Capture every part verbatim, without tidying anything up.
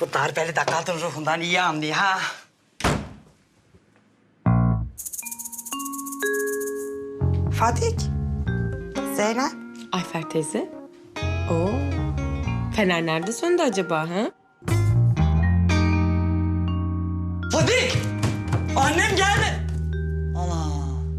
Bu darbeli de kadın ruhundan iyi anlıyor ha. Fadik. Zeynep. Ayfer teyze. Oo. Fener nerede söndü acaba ha? Fadik! Annem geldi. Ana.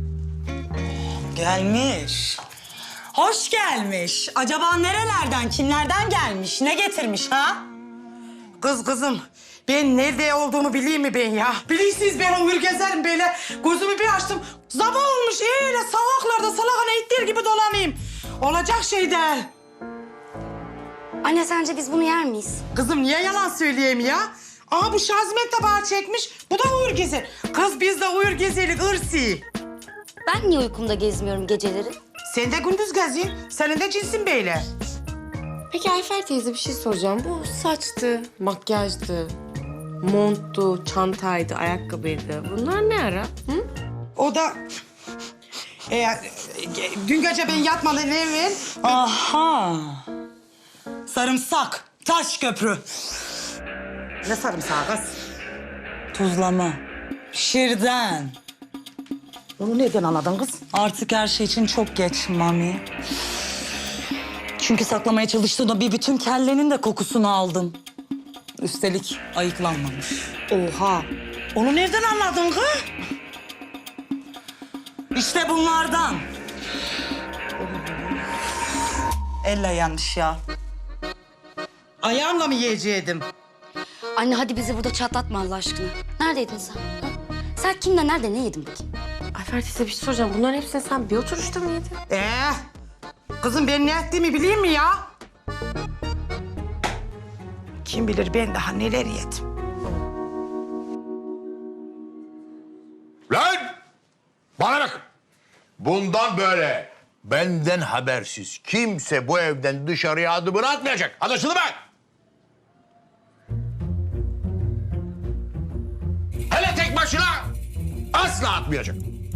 Gelmiş. Hoş gelmiş. Acaba nerelerden, kimlerden gelmiş, ne getirmiş ha? Kız kızım, ben nerede olduğumu bileyim mi ben ya? Bilirsiniz ben o gezerim böyle. Gözümü bir açtım. Sabah olmuş öyle sokaklarda salakana ittir gibi dolanayım. Olacak şey değil. Anne sence biz bunu yer miyiz? Kızım niye yalan söyleyeyim ya? Aha bu Şazimet de bana çekmiş. Bu da uyur gezer. Kız biz de uyur gezelik ırsi. Ben niye uykumda gezmiyorum geceleri? Sen de gündüz geziyorsun. Senin de cinsin böyle. Peki Ayfer teyze bir şey soracağım. Bu saçtı, makyajdı, monttu, çantaydı, ayakkabıydı. Bunlar ne ara? Hı? O da... E, dün gece ben yatmadan evvel... Aha! Sarımsak, taş köprü. Ne sarımsağı kız? Tuzlama. Şirden. Onu nereden anladın kız? Artık her şey için çok geç Mami. Çünkü saklamaya çalıştığımda bir bütün kellenin de kokusunu aldım. Üstelik ayıklanmamış. Oha! Onu nereden anladın kız? İşte bunlardan. Elle yanlış ya. Ayağımla mı yiyecektim? Anne hadi bizi burada çatlatma Allah aşkına. Neredeydin sen? Ha? Sen kimle nerede ne yedin bakayım? Ayfer teyze bir şey soracağım. Bunların hepsini sen bir oturuşta mı yedin? Ee, kızım ben ne ettiğimi bileyim mi ya? Kim bilir ben daha neler yedim. Lan! Bana bak! Bundan böyle benden habersiz kimse bu evden dışarıya adımını atmayacak. Anlaşıldı mı? Hele tek başına asla atmayacak.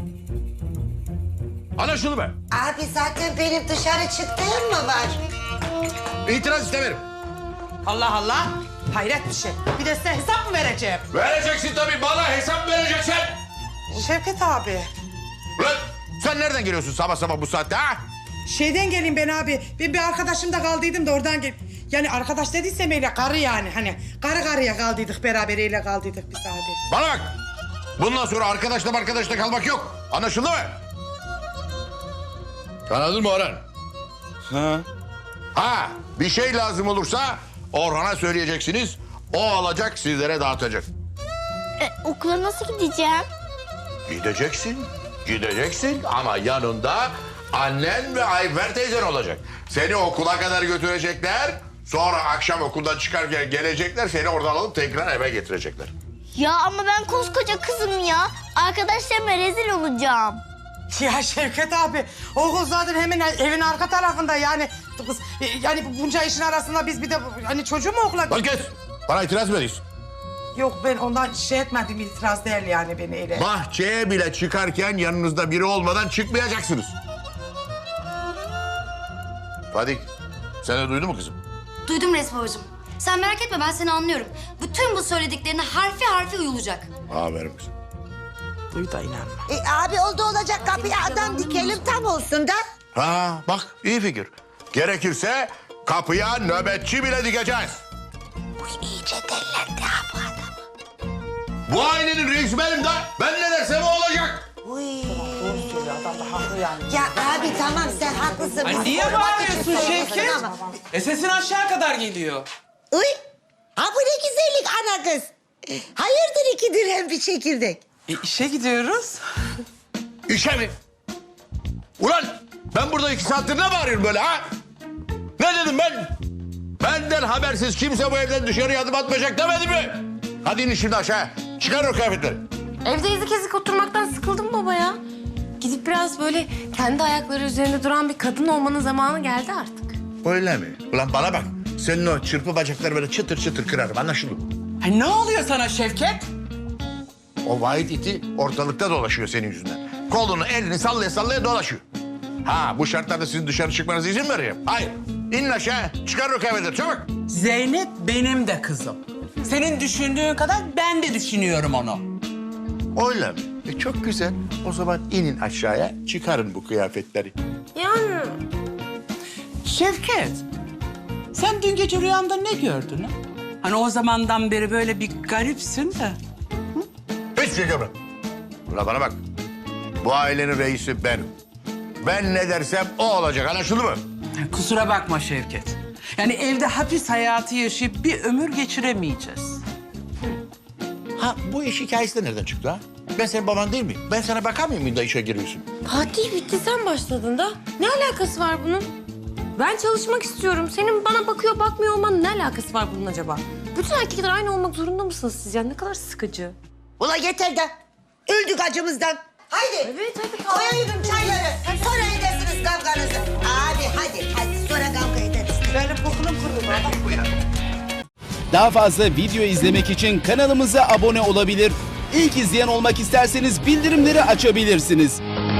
Anlaşıldı mı? Abi zaten benim dışarı çıktığım mı var? İtiraz istemiyorum. Allah Allah. Hayret bir şey. Bir de size hesap mı vereceğim? Vereceksin tabii, bana hesap vereceksin. Şevket abi. Lan sen nereden geliyorsun sabah sabah bu saatte ha? Şeyden geleyim ben abi. Ben bir arkadaşımda kaldıydım da oradan gel. Yani arkadaş dediysem öyle karı yani. Hani karı karıya kaldıydık beraber öyle kaldıydık biz abi. Bana bak. Bundan sonra arkadaşla arkadaşla kalmak yok. Anlaşıldı mı? Anladın mı Orhan? Ha. Ha, bir şey lazım olursa Orhan'a söyleyeceksiniz. O alacak, sizlere dağıtacak. E, okula nasıl gideceğim? Gideceksin, gideceksin ama yanında annen ve Ayfer teyzen olacak. Seni okula kadar götürecekler. Sonra akşam okuldan çıkarken gelecekler, seni oradan alıp tekrar eve getirecekler. Ya ama ben koskoca kızım ya. Arkadaşlarıma rezil olacağım. Ya Şevket abi, okul zaten hemen evin arka tarafında yani. Kız, yani bunca işin arasında biz bir de hani çocuğu mu okula... Lan kes, bana itiraz mı ediyorsun? Yok ben ondan şey etmedim, itiraz değil yani beni öyle. Bahçeye bile çıkarken yanınızda biri olmadan çıkmayacaksınız. Fadik, sen de duydun mu kızım? Duydum Resmi babacığım. Sen merak etme ben seni anlıyorum. Bütün bu söylediklerine harfi harfi uyulacak. Aferin kızım. Duy da inanma. E, abi oldu olacak kapıya adam dikelim tam olsun da. Ha bak, iyi fikir. Gerekirse kapıya nöbetçi bile dikeceğiz. Uy iyice dellendi ha bu adam. Bu ailenin reisi benim de. Ben ne dersem o olacak. Uy. Doğru söylüyor adam da haklı yani. Ya abi tamam sen haklısın. Ay Biz niye korumak bağırıyorsun için söylüyorsun Şevket? ama- E sesin aşağı kadar geliyor. Uy. Ha bu ne güzellik ana kız. Hayırdır iki dirhem bir çekirdek? E işe gidiyoruz. İşe mi? Ulan ben burada iki saattir ne bağırıyorum böyle ha? Ne dedim ben? Benden habersiz kimse bu evden dışarıya adım atmayacak demedim mi? Hadi inin şimdi aşağı. Çıkarın o kıyafetleri. Evde ezik ezik oturmaktan sıkıldım baba ya. Gidip biraz böyle kendi ayakları üzerinde duran bir kadın olmanın zamanı geldi artık. Öyle mi? Ulan bana bak. Senin o çırpı bacakları böyle çıtır çıtır kırarım, anlaşıldı mı? Ay ne oluyor sana Şevket? O vahit iti ortalıkta dolaşıyor senin yüzünden. Kolunu, elini sallaya sallaya dolaşıyor. Ha, bu şartlarda sizin dışarı çıkmanıza izin vereyim. Hayır. İnin aşağı, çıkarın o kıyafetleri çabuk. Zeynep benim de kızım. Senin düşündüğün kadar ben de düşünüyorum onu. Öyle mi? E çok güzel. O zaman inin aşağıya, çıkarın bu kıyafetleri. Yani Şevket, sen dün gece rüyanda ne gördün ha? Hani o zamandan beri böyle bir garipsin de. Hiçbir şey görmem. Ulan bana bak. Bu ailenin reisi benim. Ben ne dersem o olacak, anlaşıldı mı? Kusura bakma Şevket. Yani evde hapis hayatı yaşayıp bir ömür geçiremeyeceğiz. Ha bu iş hikayesi de nereden çıktı ha? Ben senin baban değil miyim? Ben sana bakamıyor muyum da işe giriyorsun? Fatih bitti sen başladın da. Ne alakası var bunun? Ben çalışmak istiyorum. Senin bana bakıyor bakmıyor olmanın ne alakası var bunun acaba? Bütün erkekler aynı olmak zorunda mısınız siz ya? Ne kadar sıkıcı. Ula yeter de. Öldük acımızdan. Haydi. Evet hadi Koyayım çayları. Sonra edersiniz kavganızı. Abi hadi hadi sonra kavga ederiz. Benim kokunum kurudu. Daha fazla video izlemek için kanalımıza abone olabilir. İlk izleyen olmak isterseniz bildirimleri açabilirsiniz.